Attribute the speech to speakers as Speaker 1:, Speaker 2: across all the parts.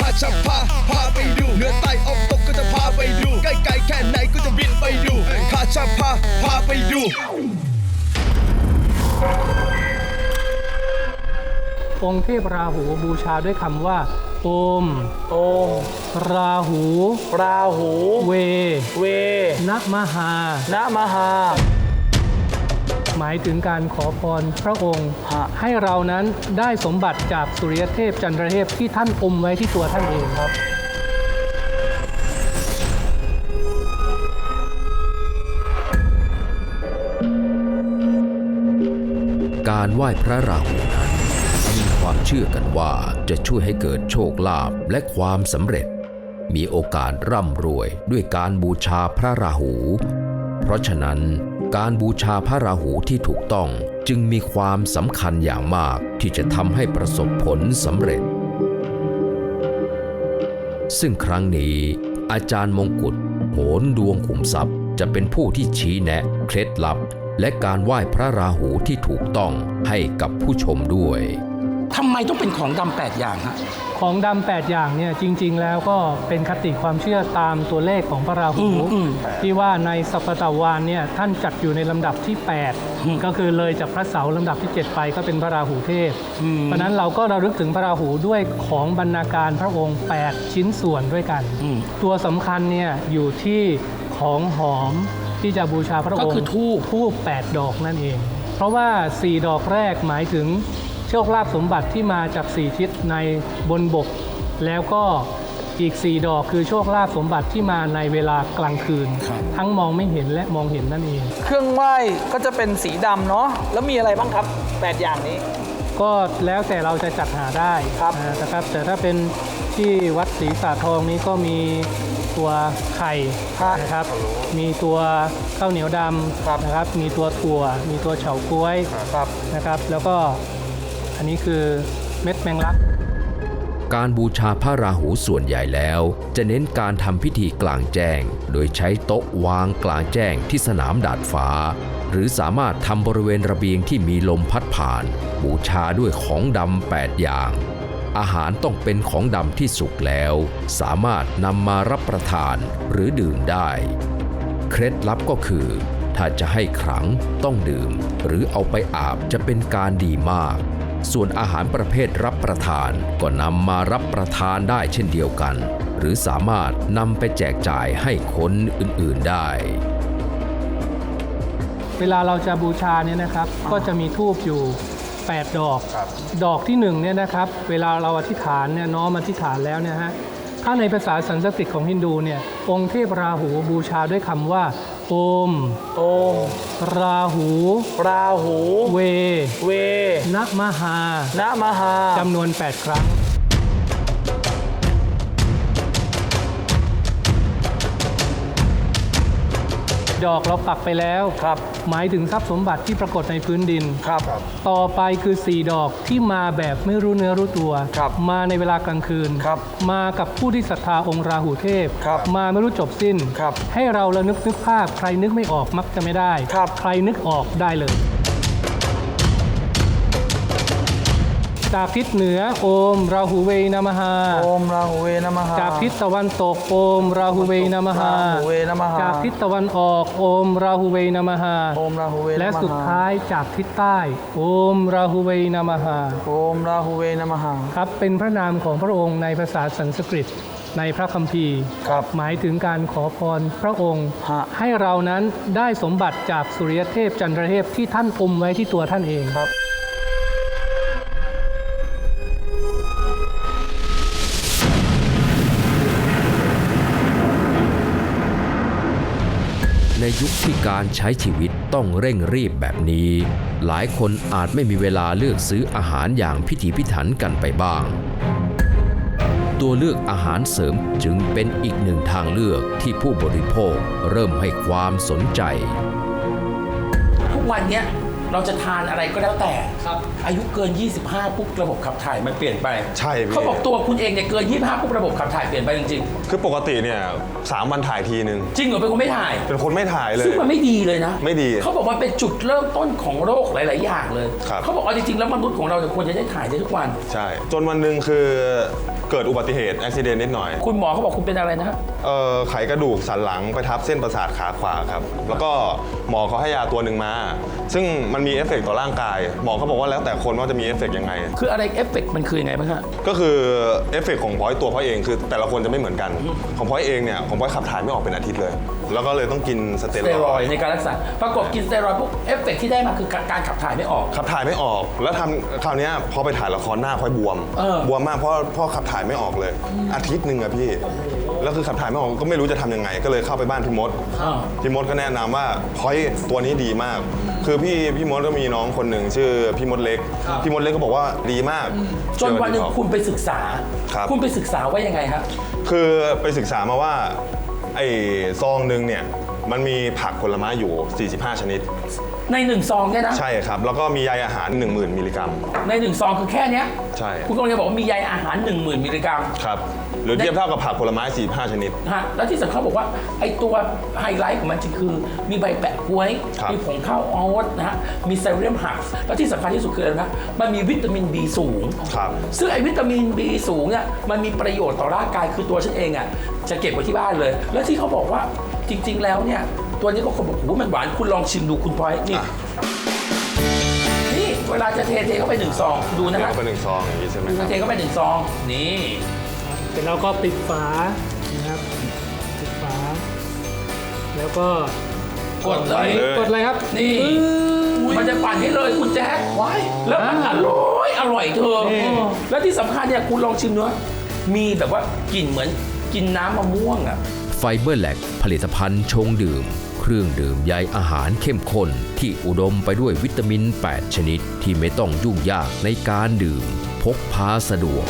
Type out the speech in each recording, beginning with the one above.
Speaker 1: จะพาไปดูเหนือใต้ออกตกก็จะพาไปดูใกล้ๆแค่ไหนก็จะบินไปดูข้าจะพาไปดู
Speaker 2: องค์เทพราหูบูชาด้วยคำว่าโอมราหูเวนะมหาหมายถึงการขอพรพระองค์ให้เรานั้นได้สมบัติจากสุริยเทพจันทรเทพที่ท่านอมไว้ที่ตัวท่านเองครับ
Speaker 3: การไหว้พระราหูนั้นมีความเชื่อกันว่าจะช่วยให้เกิดโชคลาภและความสำเร็จมีโอกาสร่ำรวยด้วยการบูชาพระราหูเพราะฉะนั้นการบูชาพระราหูที่ถูกต้องจึงมีความสำคัญอย่างมากที่จะทำให้ประสบผลสำเร็จซึ่งครั้งนี้อาจารย์มงกุฎโหนดวงขุมทรัพย์จะเป็นผู้ที่ชี้แนะเคล็ดลับและการไหว้พระราหูที่ถูกต้องให้กับผู้ชมด้วย
Speaker 4: ทำไมต้องเป็นของดำ8อย่างฮะ
Speaker 2: ของดำ8อย่างเนี่ยจริงๆแล้วก็เป็นคติความเชื่อตามตัวเลขของพระราหูที่ว่าในสัปตวานเนี่ยท่านจัดอยู่ในลำดับที่8ก็คือเลยจากพระเสาร์ลำดับที่7ไปก็เป็นพระราหูเทพเพราะนั้นเราก็ระลึกถึงพระราหูด้วยของบรรณาการพระองค์8ชิ้นส่วนด้วยกันตัวสำคัญเนี่ยอยู่ที่ของหอมที่จะบูชาพระองค์ก็คือธูป8ดอกนั่นเองเพราะว่า4ดอกแรกหมายถึงโชคลาภสมบัติที่มาจาก4ทิศในบนบกแล้วก็อีก4ดอกคือโชคลาภสมบัติที่มาในเวลากลางคืนทั้งมองไม่เห็นและมองเห็นนั่นเอง
Speaker 5: เครื่องไหว้ก็จะเป็นสีดำเนาะแล้วมีอะไรบ้างครับ8อย่างนี้
Speaker 2: ก็แล้วแต่เราจะจัดหาได้นะครับแต่ถ้าเป็นที่วัดศรีสาทองนี้ก็มีตัวไข่นะครับมีตัวข้าวเหนียวดำนะครับมีตัวถั่วมีตัวเฉาก๊วยนะครับแล้วก็อันนี้คือเม็ดแมงลัก
Speaker 3: การบูชาพระราหูส่วนใหญ่แล้วจะเน้นการทำพิธีกลางแจ้งโดยใช้โต๊ะวางกลางแจ้งที่สนามดาดฟ้าหรือสามารถทำบริเวณระเบียงที่มีลมพัดผ่านบูชาด้วยของดำ8อย่างอาหารต้องเป็นของดำที่สุกแล้วสามารถนำมารับประทานหรือดื่มได้เคล็ดลับก็คือถ้าจะให้ขลังต้องดื่มหรือเอาไปอาบจะเป็นการดีมากส่วนอาหารประเภทรับประทานก็นำมารับประทานได้เช่นเดียวกันหรือสามารถนำไปแจกจ่ายให้คนอื่นๆได้
Speaker 2: เวลาเราจะบูชาเนี่ยนะครับก็จะมีธูปอยู่8ดอกดอกที่1เนี่ยนะครับเวลาเราอธิษฐานเนี่ยน้อมอธิษฐานแล้วเนี่ยฮะถ้าในภาษาสันสกฤตของฮินดูเนี่ยองค์เทพราหูบูชาด้วยคำว่าโอมราหูเวนะมหาจำนวน8ครั้งดอกเราปักไปแล้วหมายถึงทรัพย์สมบัติที่ปรากฏในพื้นดินต่อไปคือ4ดอกที่มาแบบไม่รู้เนื้อรู้ตัวมาในเวลากลางคืนมากับผู้ที่ศรัทธาองค์ราหูเทพมาไม่รู้จบสิ้นให้เราระนึกภาพใครนึกไม่ออกมักจะไม่ได้ใครนึกออกได้เลยจากทิศเหนือโอมราหูเวนะมหาจากทิศตะวันตกโอมราหูเวนะมหาจากทิศตะวันออกโอมราหูเวนะมหาและสุดท้ายจากทิศใต้โอมราหูเวนะมหาครับเป็นพระนามของพระองค์ในภาษาสันสกฤตในพระคัมภีร์หมายถึงการขอพรพระองค์ให้เรานั้นได้สมบัติจากสุริยเทพจันทรเทพที่ท่านอมไว้ที่ตัวท่านเอง
Speaker 3: ในยุคที่การใช้ชีวิตต้องเร่งรีบแบบนี้หลายคนอาจไม่มีเวลาเลือกซื้ออาหารอย่างพิถีพิถันกันไปบ้างตัวเลือกอาหารเสริมจึงเป็นอีกหนึ่งทางเลือกที่ผู้บริโภคเริ่มให้ความสนใจ
Speaker 4: ทุกวันนี้เราจะทานอะไรก็แล้วแต่อายุเกิน25ปุ๊บระบบขับถ่ายมันเปลี่ยนไป
Speaker 6: ใช่
Speaker 4: เขาบอกตัวคุณเองเนี่ยเกิน25ปุ๊บระบบขับถ่ายเปลี่ยนไปจริง
Speaker 6: ๆคือปกติเนี่ย3 วันถ่ายทีนึง
Speaker 4: จริงเหรอเป็นคนไม่ถ่าย
Speaker 6: เลย
Speaker 4: ซึ่งมันไม่ดีเลยนะ
Speaker 6: ไม่ดี
Speaker 4: เขาบอกว่าเป็นจุดเริ่มต้นของโรคหลายๆอย่างเลยเขาบอกเอาจริงๆแล้วมนุษย์ของเราควรจะได้ถ่ายได้ทุกวัน
Speaker 6: ใช่จนวันหนึ่งคือเกิดอุบัติเหตุอุบิเหตุนิดหน่อย
Speaker 4: คุณหมอเขาบอกคุณเป็นอะไรนะ
Speaker 6: ไขกระดูกสันหลังไปทับเส้นประสาทขาขวาครับแล้วก็หมอเขาให้ยาตัวหนึ่งมาซึ่งมันมีเอฟเฟกต์ต่อร่างกายหมอเขาบอกว่าแล้วแต่คนว่าจะมีเอฟเฟกต์ยังไง
Speaker 4: คืออะไรเอฟเฟกต์มันคือยังไงบ้างฮะ
Speaker 6: ก็คือเอฟเฟกต์ของพอยตัวพอยเองคือแต่ละคนจะไม่เหมือนกันของพอยเองเนี่ยของพอยขับถ่ายไม่ออกเป็นอาทิตย์เลย แล้วก็เลยต้องกินสเตีย
Speaker 4: สเตียร
Speaker 6: ร
Speaker 4: อ
Speaker 6: อย ย
Speaker 4: ด์ในการรักษาปรากฏกินสเตียรอยด์ปุ๊บเอฟเฟกต์ที่ได้มาคือการขับถ่ายไม่ออก
Speaker 6: ขับถ่ายไม่ออกแล้วทำคราวเนี้ยพอไปถ่ายละครหน้าพอยบวม บวมมากเพราะขับถ่ายไม่ออกเลย อาทิตย์หนึ่งอะพี่แล้วคือขับถ่ายไม่ออกก็ไม่รู้จะทำยังไง ก็เลยเข้าไปบ้านพี่มดพี่มดก็แนะนำว่าพอยตัวนี้ดีมาก คือพี่มดก็มีน้องคนหนึ่งชื่อพี่มดเล็กพี่มดเล็กก็บอกว่าดีมาก
Speaker 4: จนวันหนึ่งคุณไปศึกษา
Speaker 6: ครับ
Speaker 4: คุณไปศึกษาว่ายังไงฮะ
Speaker 6: คือไปศึกษามาว่าไอ้ซองหนึ่งเนี่ยมันมีผักผลไม้อยู่ 45 ชนิด
Speaker 4: ใน1 ซองเนี่ยนะ
Speaker 6: ใช่ครับ แล้วก็มีใยอาหาร 10,000 มิลลิกรัม
Speaker 4: ใน1 ซองคือแค่เนี้ย
Speaker 6: ใช่
Speaker 4: คุณกำลังจะบอกว่ามีใยอาหาร 10,000 มิลลิกรัม
Speaker 6: ครับ หรือเทียบเท่ากับผักผลไม้ 45 ชนิด
Speaker 4: ฮะแล้วที่สำคัญบอกว่าไอ้ตัวไฮไลท์ของมันจริงคือมีใบแปะกล้วย
Speaker 6: ครับ
Speaker 4: มีผงข้าวออทนะฮะมีไซเรียมหักแล้วที่สำคัญที่สุดคืออะไรนะมันมีวิตามิน B สูง
Speaker 6: ครับ
Speaker 4: ซึ่งไอ้วิตามิน B สูงเนี่ยมันมีประโยชน์ต่อร่างกายคือตัวฉันเองอ่ะจะเก็บไว้ที่บ้านเลย แล้วที่เขาบอกว่าจริง ๆ แล้วเนี่ยตัวนี้ก็คนบอกโอ้โหมันหวานคุณลองชิมดูคุณพลอยนี่
Speaker 6: อ่ะ
Speaker 4: นี่เวลาจะเทเข้าไป1 ซองดูนะ
Speaker 6: เดี๋ยว
Speaker 4: ฮะ
Speaker 6: ก็เป็น1 ซองอย่างนี้ใช่ไหมครับ
Speaker 4: เทเข้าไป1 ซองนี่
Speaker 2: เสร็จแล้วก็ปิดฝานะครับปิดฝา แล้วก็
Speaker 4: กดเลย
Speaker 2: กดเลยครับ
Speaker 4: นี่มันจะปั่นให้เลยคุณแจ๊คแล้วมันอร่อยเธอ
Speaker 2: นี่
Speaker 4: แล้วที่สำคัญเนี่ยคุณลองชิมเนื้อมีแบบว่ากลิ่นเหมือนกินน้ำมะม่วงอ่ะ
Speaker 3: ไฟเบอร์แลกผลิตภัณฑ์ชงดื่ม เครื่องดื่มใยอาหารเข้มข้นที่อุดมไปด้วยวิตามิน 8 ชนิดที่ไม่ต้องยุ่งยากในการดื่ม พกพาสะดวก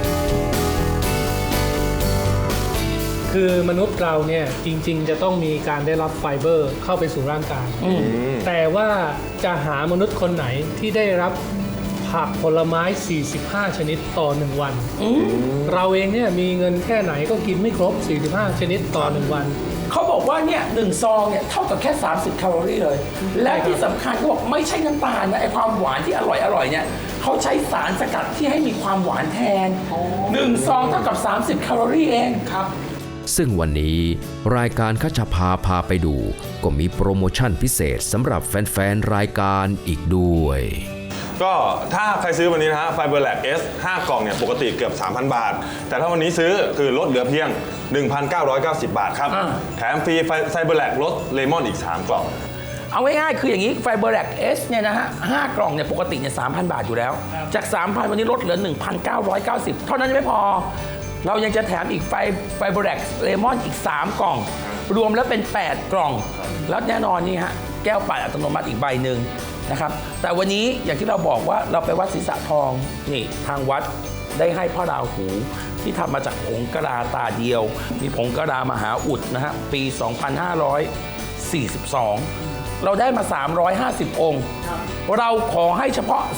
Speaker 2: คือมนุษย์เราเนี่ยจริงๆจะต้องมีการได้รับไฟเบอร์เข้าไปสู่ร่างกาย แต่ว่าจะหามนุษย์คนไหนที่ได้รับผักผลไม้ 45 ชนิดต่อ 1 วัน เราเองเนี่ยมีเงินแค่ไหนก็กินไม่ครบ 45 ชนิดต่อ 1 วัน
Speaker 4: เขาบอกว่าเนี่ย1 ซองเนี่ยเท่ากับแค่ 30 แคลอรี่เลย และที่สำคัญเขาบอกไม่ใช่น้ำตาลนะไอความหวานที่อร่อยเนี่ยเขาใช้สารสกัดที่ให้มีความหวานแทน1 ซองเท่ากับ 30 แคลอรี่เองครับ
Speaker 3: ซึ่งวันนี้รายการคัชพาพาไปดู ก็มีโปรโมชั่นพิเศษสำหรับแฟนๆ รายการอีกด้วย
Speaker 6: ก็ถ้าใครซื้อวันนี้นะฮะไฟเบอร์แลก S 5 กล่องเนี่ยปกติเกือบ 3,000 บาท แต่ถ้าวันนี้ซื้อคือลดเหลือเพียง 1,990 บาทครับ แถมฟรีไฟเบอร์แลกรสเลมอนอีก 3 กล่อง
Speaker 4: เอาง่ายๆคืออย่างนี้ไฟเบอร์แลกเอสเนี่ยนะฮะ5 กล่องเนี่ยปกติเนี่ย 3,000 บาทอยู่แล้ว จาก 3,000 วันนี้ลดเหลือ 1,990 เท่านั้นยังไม่พอ เรายังจะแถมอีกไฟเบอร์แลกเลมอนอีก 3 กล่อง รวมแล้วเป็น 8 กล่อง แล้วแน่นอนนี่ฮะแก้วปั่นอัตโนมัติอีกใบหนึ่งนะครับแต่วันนี้อย่างที่เราบอกว่าเราไปวัดศรีษะทองนี่ทางวัดได้ให้พ่อราหูที่ทำมาจากผงกะลาตาเดียว มีผงกะลามหาอุดนะฮะปี 2542 เราได้มา 350 องค์ เราขอให้เฉพาะ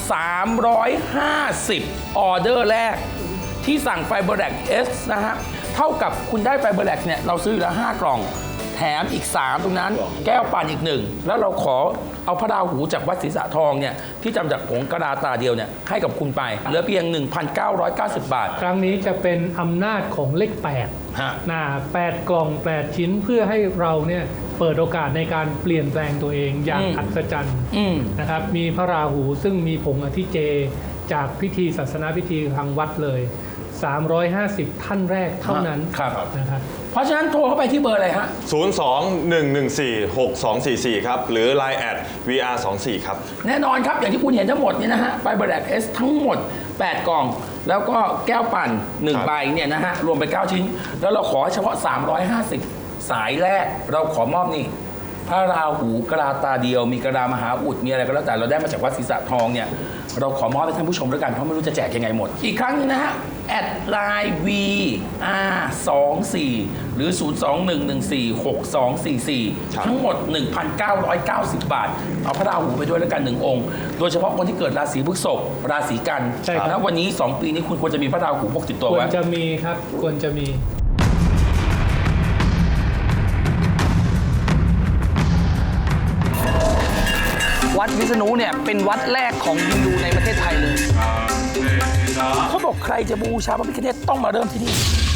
Speaker 4: 350 ออเดอร์แรกที่สั่งไฟเบอร์แลกเอสนะฮะเท่ากับคุณได้ไฟเบอร์แลกเนี่ยเราซื้ออยู่แล้ว5 กล่อง แถมอีก 3 ตรงนั้นแก้วปั่นอีก 1 แล้วเราขอเอาพระราหูจากวัดศรีษะทองเนี่ยที่ทำจากผงกะลาตาเดียวเนี่ยให้กับคุณไปเหลือเพียง 1,990 บาท
Speaker 2: ครั้งนี้จะเป็นอำนาจของเลข8
Speaker 4: ฮะ
Speaker 2: 8 กล่อง 8 ชิ้นเพื่อให้เราเนี่ยเปิดโอกาสในการเปลี่ยนแปลงตัวเองอย่างอัศจรรย์นะครับมีพระราหูซึ่งมีผงอธิเจจากพิธีศาสนาพิธีทางวัดเลย 350 ท่านแรกเท่านั้น
Speaker 4: ครับ
Speaker 2: นะครับ
Speaker 4: เพราะฉะนั้นโทรเข้าไปที่เบอร์อะไรฮะ
Speaker 6: 02-114-6244 ครับ หรือ Line @VR24 ครับ
Speaker 4: แน่นอนครับ อย่างที่คุณเห็นทั้งหมดเนี่ยนะฮะไฟเบอร์แลกเอสทั้งหมด 8 กล่อง แล้วก็แก้วปั่น 1 ใบเนี่ยนะฮะรวมไป 9 ชิ้น แล้วเราขอเฉพาะ 350 สายแรกเราขอมอบนี่พระราหูกะลาตาเดียว มีกะลามหาอุดมีอะไรก็แล้วแต่เราได้มาจากวัดศรีษะทองเนี่ยเราขอมอบให้ท่านผู้ชมด้วยกันเพราะไม่รู้จะแจกยังไงหมด อีกครั้งนึงนะฮะแอดไลน์ VR24 หรือ 021146244 ทั้งหมด 1,990 บาท เอาพระราหูไปด้วยแล้วกัน 1 องค์ โดยเฉพาะคนที่เกิดราศีพฤษภราศีกัน
Speaker 2: ใช่ครับ
Speaker 4: แล้ววันนี้ 2 ปีนี้คุณควรจะมีพระราหูพกติดตัว
Speaker 2: ควร
Speaker 4: ไว้
Speaker 2: จะมีครับควรจะมี
Speaker 5: วัดวิษณุเนี่ยเป็นวัดแรกของฮินดูในประเทศไทยเลย
Speaker 4: เขาบอกใครจะบูชาพระพิฆเนศต้องมาเริ่มที่นี่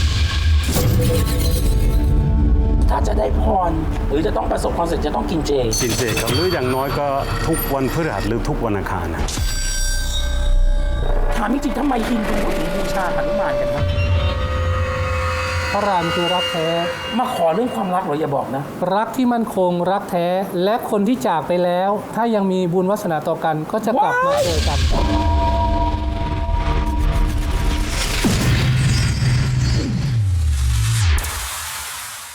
Speaker 4: ถ้าจะได้พรหรือจะต้องประสบความสำเร็จจะต้องกินเจ
Speaker 7: กินเจครับหรืออย่างน้อยก็ทุกวันพฤหัสหรือทุกวันอังคารนะ
Speaker 4: ถามจริงๆทำไมฮินดูถึงบูชาหนุมานกันครับ
Speaker 2: พระรามคือรักแท้
Speaker 4: มาขอเรื่องความรักเหรออย่าบอกนะ
Speaker 2: รักที่มั่นคงรักแท้ และคนที่จากไปแล้ว ถ้ายังมีบุญวาสนาต่อกันก็จะกลับมาเจอกัน